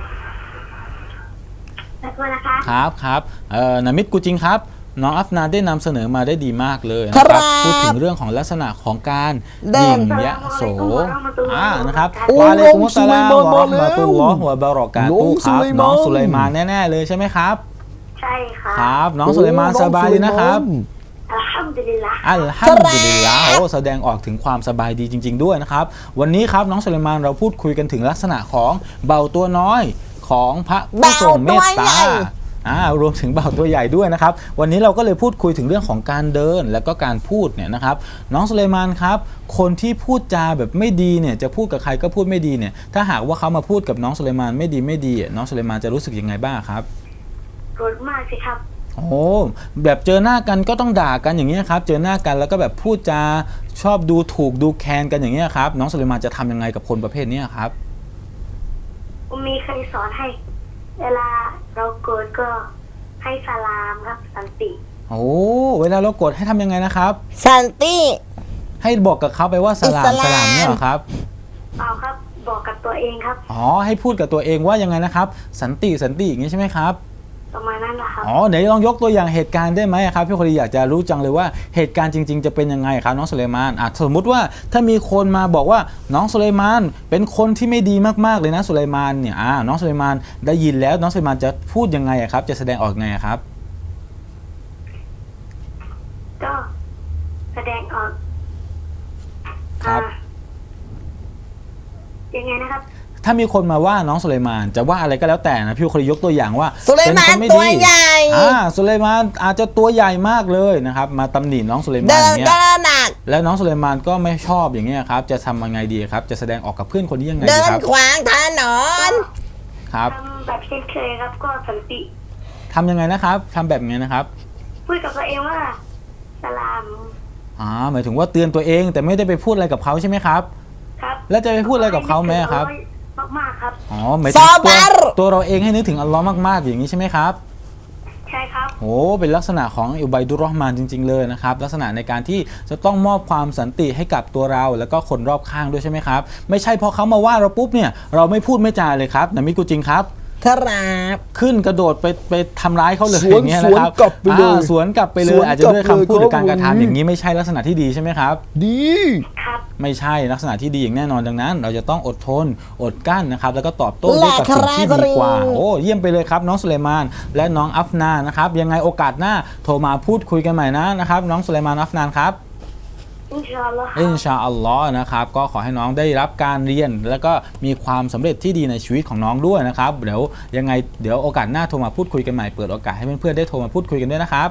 Speaker 7: สักวันนะคะ
Speaker 6: ครับนามิดกูจริงครับน้องอัฟนานได้นำเสนอมาได้ดีมากเลยนะครับพูดถึงเรื่องของลักษณะของการหยิ่งยะโสนะครับวะอะลัยกุมุสสลามวะเราะห์มะตุลลอฮ์วะบะเราะกาตุฮ์ครับน้องสุไลมานแน่ๆเลยใช่ไหมครับ
Speaker 7: ใช่ค่ะ
Speaker 6: ครับน้องสุไลมานสบายดีนะครับ
Speaker 7: อัลฮัมดุลิลลาห์
Speaker 6: อัลฮัมดุลิลลาห์แสดงออกถึงความสบายดีจริง ๆด้วยนะครับวันนี้ครับน้องสุไลมานเราพูดคุยกันถึงลักษณะของเบาตัวน้อยของพระผู้ทรงเมตตารวมถึงเบาตัวใหญ่ด้วยนะครับวันนี้เราก็เลยพูดคุยถึงเรื่องของการเดินและก็การพูดเนี่ยนะครับน้องสุไลมานครับคนที่พูดจาแบบไม่ดีเนี่ยจะพูดกับใครก็พูดไม่ดีเนี่ยถ้าหากว่าเขามาพูดกับน้องสุไลมานไม่ดีน้องสุไลมานจะรู้สึกยังไงบ้างครับ
Speaker 7: โกรธมากสิครับ
Speaker 6: แบบเจอหน้ากันก็ต้องด่ากันอย่างนี้ครับเจอหน้ากันแล้วก็แบบพูดจาชอบดูถูกดูแคลนกันอย่างนี้ครับน้องสุไลมานจะทำยังไงกับคนประเภทนี้ครับ
Speaker 7: มีใครสอนให้ เวลาเราโกรธก็ให้สลามครับสันติ
Speaker 6: เวลาเราโกรธให้ทำยังไงนะครับ
Speaker 3: สันติ
Speaker 6: ให้บอกกับเขาไปว่าสลามเนี่ยเหรอครับ
Speaker 7: เปล่าครับบอกกับตัวเองครับ
Speaker 6: ให้พูดกับตัวเองว่ายังไงนะครับสันติอย่างนี้ใช่ไหมครับ
Speaker 7: ประมาณนั้นนะครับ
Speaker 6: เดี๋ยวลองยกตัวอย่างเหตุการณ์ได้ไหมครับพี่คนดีอยากจะรู้จังเลยว่าเหตุการณ์จริงๆจะเป็นยังไงครับน้องสุไลมานสมมุติว่าถ้ามีคนมาบอกว่าน้องสุไลมานเป็นคนที่ไม่ดีมากๆเลยนะสุไลมานเนี่ยน้องสุไลมานได้ยินแล้วน้องสุไลมานจะพูดยังไงครับจะแสดงออกยังไงครับ
Speaker 7: ก็แสดงออก
Speaker 6: ครับ
Speaker 7: ยังไงนะครับ
Speaker 6: ถ้ามีคนมาว่าน้องสุไลมานจะว่าอะไรก็แล้วแต่นะพี่คนดียกตัวอย่างว่า
Speaker 3: สุไลมาน
Speaker 6: เป็นคนไม่
Speaker 3: ตั
Speaker 6: ดี
Speaker 3: วใหญ่
Speaker 6: สุไลมานอาจจะตัวใหญ่มากเลยนะครับมาตำหนิน้องสุไลมาน
Speaker 3: เดิน
Speaker 6: เนี่ย
Speaker 3: ก็หนัก
Speaker 6: แล้วน้องสุไลมานก็ไม่ชอบอย่างเงี้ยครับจะทำยังไงดีครับจะแสดงออกกับเพื่อนคนนี้ยังไง
Speaker 3: เดิ
Speaker 6: ดี
Speaker 3: น
Speaker 6: ครับ
Speaker 3: ขวางถนน
Speaker 6: ครับ
Speaker 7: ทำแบบเช่นเคยครับ ก็สันติ
Speaker 6: ทำยังไงนะครับทำแบบไงนะครับ
Speaker 7: พูดกับตัวเองว่าสลาม
Speaker 6: หมายถึงว่าเตือนตัวเองแต่ไม่ได้ไปพูดอะไรกับเขาใช่ไหมครับ
Speaker 7: ครับ
Speaker 6: แล้วจะไปพูดอะไรกับเขาไหมครับ
Speaker 7: มากๆครับ
Speaker 6: หมายถึงตัวเราเองให้นึกถึงอัลลอฮ์มากๆอย่างนี้ใช่ไหมครับ
Speaker 7: ใช่ครับ
Speaker 6: โอ้เป็นลักษณะของอุบัยดุรเราะห์มานจริงๆเลยนะครับลักษณะในการที่จะต้องมอบความสันติให้กับตัวเราแล้วก็คนรอบข้างด้วยใช่ไหมครับไม่ใช่พอเขามาว่าเราปุ๊บเนี่ยเราไม่พูดไม่จาเลยครับนามิกูจริงครับ
Speaker 3: ครับ
Speaker 6: ขึ้นกระโดดไปทำร้ายเขาเลยอย่างเงี้ยนะครับสวนกลับไปเลยอาจจะด้วยคำพูดหรือการกระทำอย่างนี้ไม่ใช่ลักษณะที่ดีใช่ไหมครับ
Speaker 5: ดี
Speaker 7: ครับ
Speaker 6: ไม่ใช่ลักษณะที่ดีอย่างแน่นอนดังนั้น เราจะต้องอดทนอดกั้นนะครับแล้วก็ตอบโต้ด้วยกับสิ่งที่ดีกว่าโอ้เยี่ยมไปเลยครับน้องสุเลมานและน้องอัฟนานนะครับยังไงโอกาสหน้าโทรมาพูดคุยกันใหม่นะครับน้องสุเลมานอัฟนานครับ
Speaker 7: อินชาอัลลอฮ์
Speaker 6: อินชาอัลลอฮ์นะครับก็ขอให้น้องได้รับการเรียนแล้วก็มีความสำเร็จที่ดีในชีวิตของน้องด้วยนะครับเดี๋ยวยังไงเดี๋ยวโอกาสหน้าโทรมาพูดคุยกันใหม่เปิดโอกาสให้เพื่อนๆได้โทรมาพูดคุยกันด้วยนะครับ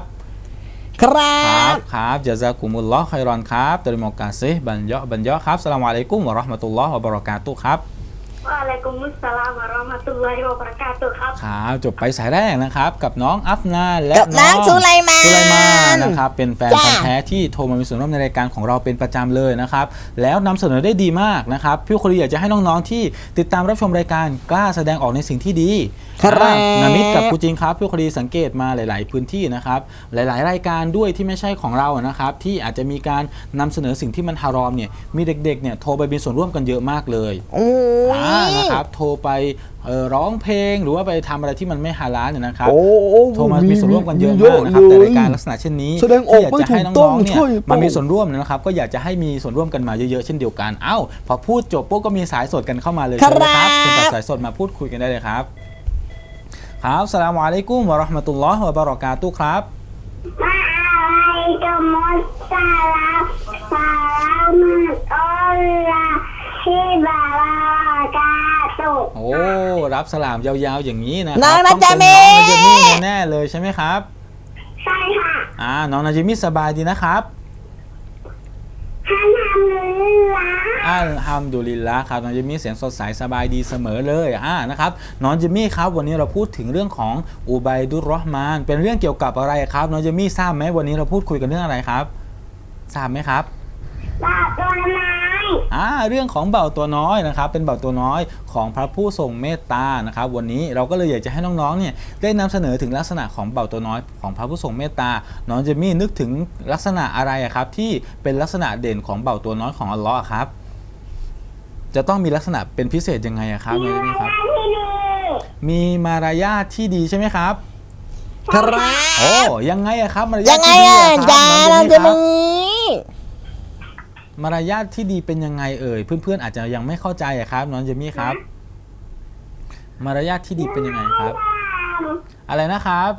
Speaker 6: ครับจาซากุมุลลอฮ์ค็อยรอนครับตริมอกาซิบันยะครับสลามอะลัยกุมวะเราะห์มะตุลลอฮ์วะบะเราะกาตุฮ์ครับ
Speaker 7: วะอะลัยกุมุสสลามวะเราะห์มะตุลลอฮิวะบะเราะกาตุฮ์ครับ
Speaker 6: ครับจบไปสายแรกนะครับกับน้องอัฟนาและ
Speaker 3: น้องสุไลมาน
Speaker 6: นะครับเป็นแฟนพันธุ์แท้ที่โทรมามีส่วนร่วมในรายการของเราเป็นประจำเลยนะครับแล้วนำเสนอได้ดีมากนะครับพี่คนดีอยากจะให้น้องๆที่ติดตามรับชมรายการกล้าแสดงออกในสิ่งที่ดีนามิดกับกูจริงครับพี่คนดีสังเกตมาหลายๆพื้นที่นะครับหลายๆรายการด้วยที่ไม่ใช่ของเรานะครับที่อาจจะมีการนำเสนอสิ่งที่มันฮารอมเนี่ยมีเด็กๆเนี่ยโทรไปมีส่วนร่วมกันเยอะมากเลยนะครับโทรไปร้องเพลงหรือว่าไปทำอะไรที่มันไม่ฮาลาลเนี่ยนะครับโทรมามีส่วนร่วมกันเยอะมากนะครับแต่รายการลักษณะเช่นนี้ที่อยากจะให้น้องๆเนี่ยมามีส่วนร่วมนะครับก็อยากจะให้มีส่วนร่วมกันมาเยอะๆเช่นเดียวกันเอ้าพอพูดจบปุ๊บก็มีสายสดกันเข้ามาเลยนะครับเป็นสายสดมาพูดคุยกันได้เลยครับครับสลามอะลัยกุมวะเราะห์มะตุลลอฮ์วะบะเราะกาตุฮ์ครับ
Speaker 7: วะอะลัยกุมุสสลามวะเราะห์มะตุลลอฮิวะบะเราะกาตุฮ์
Speaker 6: โอ้รับสลามยาวๆอย่างนี้นะ
Speaker 3: น้องนาจามิ
Speaker 6: แน่เลยใช่ไหมครับ
Speaker 7: ใช่ค่ะ
Speaker 6: น้องนาจิมิสบายดีนะครับอัลฮัมดุลิลละครับน้องจิมมี่เสียงสดใสสบายดีเสมอเลยนะครับน้องจิมมี่ครับวันนี้เราพูดถึงเรื่องของอุบัยดุรเราะห์มานเป็นเรื่องเกี่ยวกับอะไรครับน้องจิมมี่ทราบไหมวันนี้เราพูดคุยกันเรื่องอะไรครับทราบไหมครับ
Speaker 7: บ่าวตัวน้อย
Speaker 6: เรื่องของบ่าวตัวน้อยนะครับเป็นบ่าวตัวน้อยของพระผู้ทรงเมตตานะครับวันนี้เราก็เลยอยากจะให้น้องๆเนี่ยได้นำเสนอถึงลักษณะของบ่าวตัวน้อยของพระผู้ทรงเมตตาน้องจิมมี่นึกถึงลักษณะอะไรครับที่เป็นลักษณะเด่นของบ่าวตัวน้อยของอัลลอฮ์ครับจะต้องมีลักษณะเป็นพิเศษยังไงครับน้องจิมมี่ครับมีมารยาทที่ดีใช่ไหมครับ
Speaker 3: ครับ
Speaker 6: โอ้ยังไงครับมารยาทที่ดีครับน้องจิมมี่มารยาทที่ดีเป็นยังไงเอ่ยเพื่อนๆอาจจะยังไม่เข้าใจครับน้องเจมี่ครับมารยาทที่ดีเป็นยังไงครับอะไรนะครับ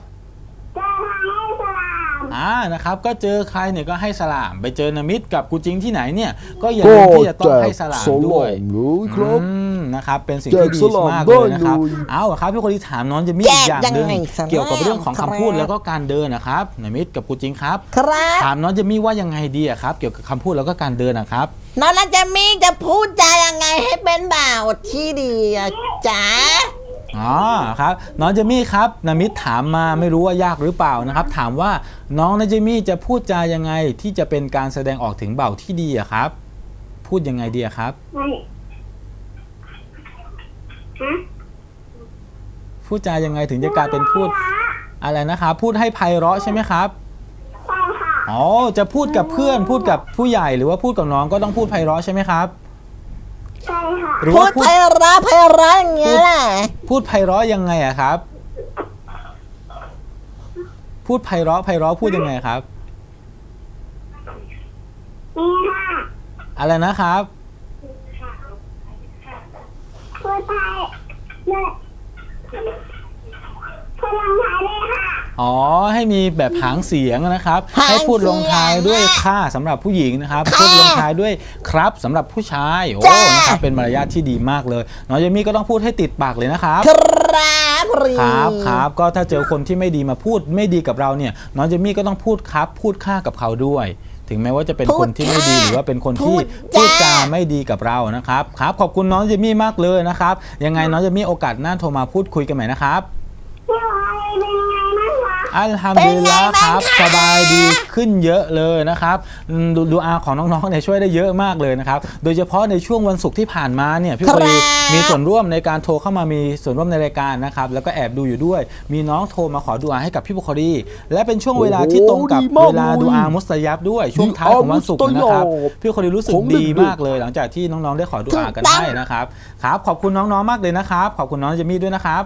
Speaker 6: นะครับก็เจอใครเนี่ยก็ให้สลามไปเจอนามิดกับกูจริงที่ไหนเนี่ยก็อย่าลืมที่จะต้องให้สลามด้วยนะครับเป็นสิ่งที่ดีมากเลยนะครับเอาครับพี่คนที่ถามน้องจะมีอีกอย่างหนึ่งเกี่ยวกับเรื่องของคำพูดแล้วก็การเดินนะครับนามิดกับกูจริงครับถามน้องจะมีว่ายังไงดีครับเกี่ยวกับคำพูดแล้วก็การเดินนะครับ
Speaker 3: น้องจะมีจะพูดจายังไงให้เป็นบ่าวที่ดีจ๊ะ
Speaker 6: ครับน้องเจมี่ครับนามิดถามมาไม่รู้ว่ายากหรือเปล่านะครับถามว่าน้องเจมี่จะพูดจายังไงที่จะเป็นการแสดงออกถึงบ่าวที่ดีครับพูดยังไงดีครับพูดจายังไงถึงจะกลายเป็นพูดอะไรนะครับพูดให้ไพเราะใช่ไหมครับจะพูดกับเพื่อนพูดกับผู้ใหญ่หรือว่าพูดกับน้องก็ต้องพูดไพเราะใช่ไหมครับ
Speaker 7: ใช่ค่ะ
Speaker 3: พูดไพเราะอย่างเงี้ยแหละ
Speaker 6: พูดไพเราะยังไงครับพูดไพเราะพูดยังไงครับอะไรนะครับ
Speaker 7: พูดไทยเลยพูดลงท้ายเลยค่ะ
Speaker 6: ให้มีแบบหางเสียงนะครับให้พูดลงท้ายด้วยค่ะสำหรับผู้หญิงนะครับพูดลงท้ายด้วยครับสำหรับผู้ชายนะครับเป็นมารยาทที่ดีมากเลยน้องเจมี่ก็ต้องพูดให้ติดปากเลยนะครับครับก็ถ้าเจอคนที่ไม่ดีมาพูดไม่ดีกับเราเนี่ยน้องเจมี่ก็ต้องพูดครับพูดค่ากับเขาด้วยถึงแม้ว่าจะเป็นคนที่ไม่ดีหรือว่าเป็นคนที่พูดจาไม่ดีกับเรานะครับขอบคุณน้องเจมี่มากเลยนะครับยังไงน้องเจมี่โอกาสหน้าโทรมาพูดคุยกันใหม่นะครับอัลฮัมดุลิลละห์ครับสบายดีขึ้นเยอะเลยนะครับดูอาของน้องๆเนี่ยช่วยได้เยอะมากเลยนะครับโดยเฉพาะในช่วงวันศุกร์ที่ผ่านมาเนี่ยพี่บุคลีมีส่วนร่วมในการโทรเข้ามามีส่วนร่วมในรายการนะครับแล้วก็แอบดูอยู่ด้วยมีน้องโทรมาขอดุอาให้กับพี่บุคลีและเป็นช่วงเวลาที่ตรงกับเวลาดุอามุสตะญับด้วยช่วงท้ายของวันศุกร์นะครับพี่บุคลีรู้สึกดีมากเลยหลังจากที่น้องๆได้ขอดุอากันให้นะครับครับขอบคุณน้องๆมากเลยนะครับขอบคุณน้องเจมี่ด้วยนะครับ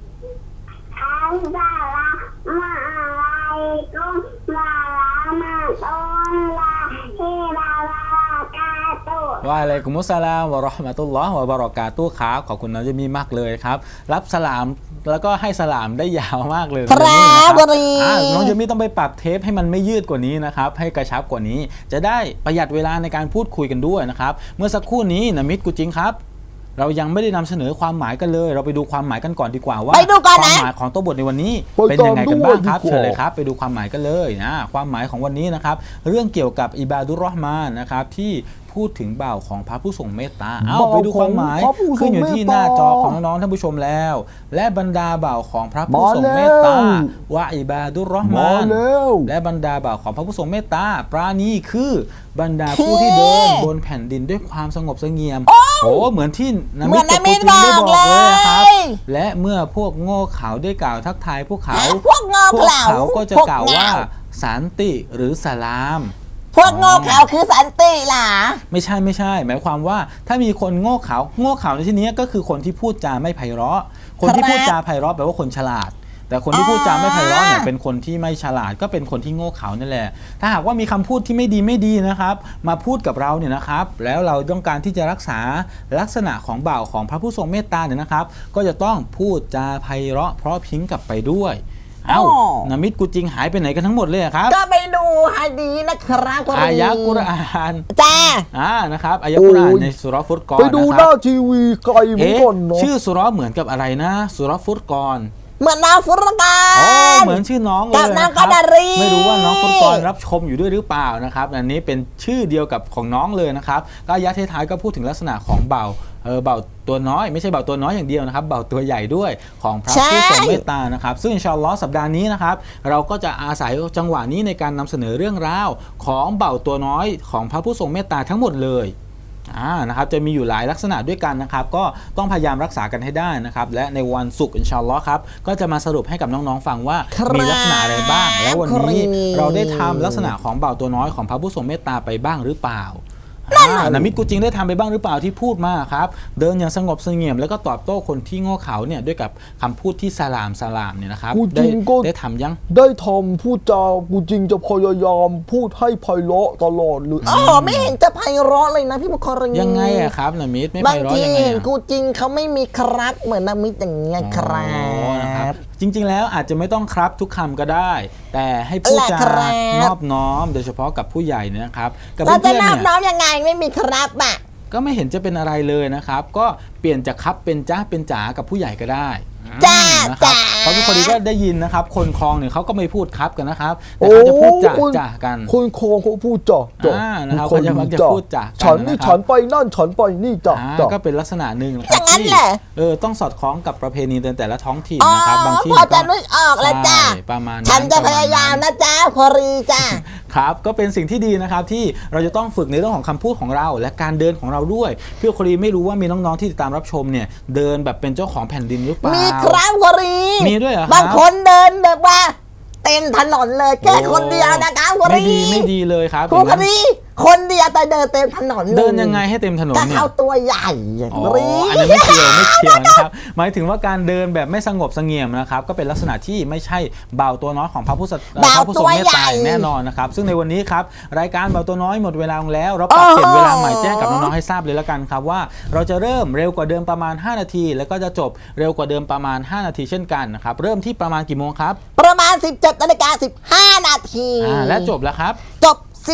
Speaker 6: วะอะลัยกุมุสสลามวะเราะห์มะตุลลอฮ์วะบะเราะกาตุฮ์ครับขอบคุณน้องเจมี่มากเลยครับรับสลามแล้วก็ให้สลามได้ยาวมากเลยครับน้องเจมี่ต้องไปปรับเทปให้มันไม่ยืดกว่านี้นะครับให้กระชับกว่านี้จะได้ประหยัดเวลาในการพูดคุยกันด้วยนะครับเมื่อสักครู่นี้นะมิตรกูจริงครับเรายังไม่ได้นำเสนอความหมายกันเลยเราไปดูความหมายกันก่อนดีกว่าว่าความหมายของตัวบทในวันนี้เป็นยังไงกันบ้างครับเชิญเลยครับไปดูความหมายกันเลยนะความหมายของวันนี้นะครับเรื่องเกี่ยวกับอิบาดุรเราะห์มานนะครับที่พูดถึงบ่าวของพระผู้ทรงเมตตาเอาไปดูความหมายขึ้นอยู่ที่หน้าจอของน้องๆท่านผู้ชมแล้วและบรรดาบ่าวของพระผู้ทรงเมตตาวะอิบาดุรเราะห์มานและบรรดาบ่าวของพระผู้ทรงเมตตาปราณีคือบรรดาผู้ที่เดินบนแผ่นดินด้วยความสงบเสงี่ยมโอ้เหมือนที่นะมิตรกับปูจินได้บอกเลยครับและเมื่อพวกโง่เขลาได้กล่าวทักทายพวกเขาก็จะกล่าวว่าสันติหรือสลาม
Speaker 3: พวกโง่เขลาคือสันติล่ะ
Speaker 6: ไม่ใช่หมายความว่าถ้ามีคนโง่เขลาในที่นี้ก็คือคนที่พูดจาไม่ไพเราะคนที่พูดจาไพเราะแปลว่าคนฉลาดแต่คนที่พูดจาไม่ไพเราะเนี่ยเป็นคนที่ไม่ฉลาดก็เป็นคนที่โง่เขลานั่นแหละถ้าหากว่ามีคำพูดที่ไม่ดีนะครับมาพูดกับเราเนี่ยนะครับแล้วเราต้องการที่จะรักษาลักษณะของบ่าวของพระผู้ทรงเมตตาเนี่ยนะครับก็จะต้องพูดจาไพเราะเพราะพริ้งกลับไปด้วยนามิตรกูจริงหายไปไหนกันทั้งหมดเลยครับ
Speaker 3: ก็ไปดูให้ดีนะครับ
Speaker 6: อายะกุรอาน
Speaker 3: จ้า
Speaker 6: นะครับอายะกุรอานในสุเราะห์ฟุรกอน
Speaker 5: ไปดูหน้าทีวีไกลเหมือนกันเนาะ
Speaker 6: ชื่อสุเราะห์เหมือนกับอะไรนะสุเราะห์ฟุรกอน
Speaker 3: เหมือนน้องฟุรกอน
Speaker 6: เหมือนชื่อน้องเลยนะครับไม่รู้ว่าน้องฟุรกอนรับชมอยู่ด้วยหรือเปล่านะครับอันนี้เป็นชื่อเดียวกับของน้องเลยนะครับก็อายะท้ายๆก็พูดถึงลักษณะของบ่าวตัวน้อยไม่ใช่บ่าวตัวน้อยอย่างเดียวนะครับบ่าวตัวใหญ่ด้วยของพระผู้ทรงเมตตานะครับซึ่งอินชาอัลลอฮ์สัปดาห์นี้นะครับเราก็จะอาศัยจังหวะนี้ในการนำเสนอเรื่องราวของบ่าวตัวน้อยของพระผู้ทรงเมตตาทั้งหมดเลยนะครับจะมีอยู่หลายลักษณะด้วยกันนะครับก็ต้องพยายามรักษากันให้ได้นะครับและในวันศุกร์อินชาอัลลอฮ์ครับก็จะมาสรุปให้กับน้องๆฟังว่ามีลักษณะอะไรบ้างแล้ววันนี้เราได้ทำลักษณะของบ่าวตัวน้อยของพระผู้ทรงเมตตาไปบ้างหรือเปล่านามิตรกูจริงได้ทำไปบ้างหรือเปล่าที่พูดมาครับเดินอย่างสงบเสงี่ยมแล้วก็ตอบโต้คนที่โง่เขลาเนี่ยด้วยกับคำพูดที่สลามเนี่ยนะครับได้ทำยัง
Speaker 5: ได้ทำพูดจากูจริงจะพยายามพูดให้ไพเราะตลอดเลย
Speaker 3: ไม่เห็นจะไพเราะเลยนะพี่บุคลี
Speaker 6: ยังไงอะครับนามิตรไม่ไพเราะยังไง
Speaker 3: กูจริงเขาไม่มีครับเหมือนนามิตรอย่างเงี้ยครับ
Speaker 6: จริงๆแล้วอาจจะไม่ต้องครับทุกคำก็ได้แต่ให้พูดจานอบน้อมโดยเฉพาะกับผู้ใหญ่นะครับ
Speaker 3: กับเพื่อนเนี่ยเราจะนอบน้อมยังไงไม่มีครับอ่ะ
Speaker 6: ก็ไม่เห็นจะเป็นอะไรเลยนะครับก็เปลี่ยนจากครับเป็นจ้าเป็นจ๋ากับผู้ใหญ่ก็ได้
Speaker 3: นะครับ
Speaker 6: เพราะทุกคนก็ได้ยินนะครับคนคลองเนี่ยเขาก็ไม่พูดครับกันนะครับแต่เขาจะพูดจ่ากัน
Speaker 5: คนคลองเขาพูดจ่า
Speaker 6: นะครับเขาจะพูดจ่ากัน
Speaker 5: ฉันนี่ฉันไปนั่นฉันไปนี่จ่า
Speaker 6: ก็เป็นลักษณะหนึ่งนะครับที่ต้องสอดคล้องกับประเพณีแต่ละท้องถิ่นนะครับบางที่
Speaker 3: พอจะนึกออกแล้วจ้า
Speaker 6: ประมาณ
Speaker 3: ฉันจะพยายามนะจ้าคอรีจ้า
Speaker 6: ครับก็เป็นสิ่งที่ดีนะครับที่เราจะต้องฝึกในเรื่องของคำพูดของเราและการเดินของเราด้วยพี่คอรีไม่รู้ว่ามีน้องๆที่ติดตามรับชมเนี่ยเดินแบบเป็นเจ้าของแผ่นดินหรือเปล่า
Speaker 3: มีครับคอรี
Speaker 6: มีด้วยเหรอครับ
Speaker 3: บางคนเดินแบบว่าเต็มถนนเลยแค่คนเดียวนะครับคอรี
Speaker 6: ไม่ดีเลยครับ
Speaker 3: คอรีคนเดียวแต่เดินเต็มถนน
Speaker 6: เดินยังไงให้เต็มถนนเนี่ย
Speaker 3: เข้าตัวใหญ่
Speaker 6: อันนั้นไม่เกี่ยวนะครับหมายถึงว่าการเดินแบบไม่สงบเสงี่ยมนะครับก็เป็นลักษณะที่ไม่ใช่บ่าวตัวน้อยของพระผู้ทรงเมตตาแน่นอนนะครับซึ่งในวันนี้ครับรายการบ่าวตัวน้อยหมดเวลาแล้วเราปรับเปลี่ยนเวลาใหม่แจ้งกับน้องๆให้ทราบเลยละกันครับว่าเราจะเริ่มเร็วกว่าเดิมประมาณ5นาทีแล้วก็จะจบเร็วกว่าเดิมประมาณ5นาทีเช่นกันนะครับเริ่มที่ประมาณกี่โมงครับ
Speaker 3: ประมาณ 17:15 นาที
Speaker 6: และจบแล้วครับ
Speaker 3: จบ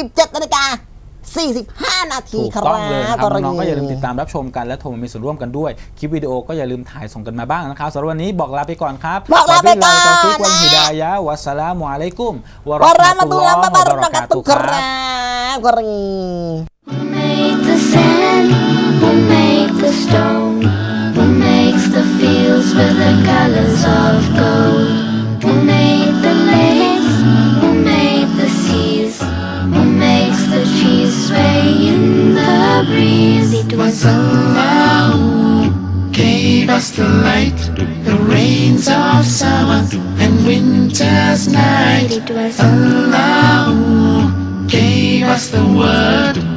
Speaker 3: 17:45 นาทีครับ
Speaker 6: ต้องเลยครับน้องๆก็อย่าลืมติดตามรับชมกันและโทรมามีส่วนร่วมกันด้วยคลิปวิดีโอก็อย่าลืมถ่ายส่งกันมาบ้างนะครับสำหรับวันนี้บอกลาไปก่อนครับ
Speaker 3: บอกลาไปก่อน
Speaker 6: ตอฟิกวันฮิดายะฮ์วัสสลามุอะลัยกุมวะเราะห์มะตุลลอฮ์วะบะเราะกาตุฮ์ครับ
Speaker 1: Who made the sand? Who made the stone? Who makes the fields with the colors of gold? Who made the land? rains of summer and winter's night. Allah gave us the word.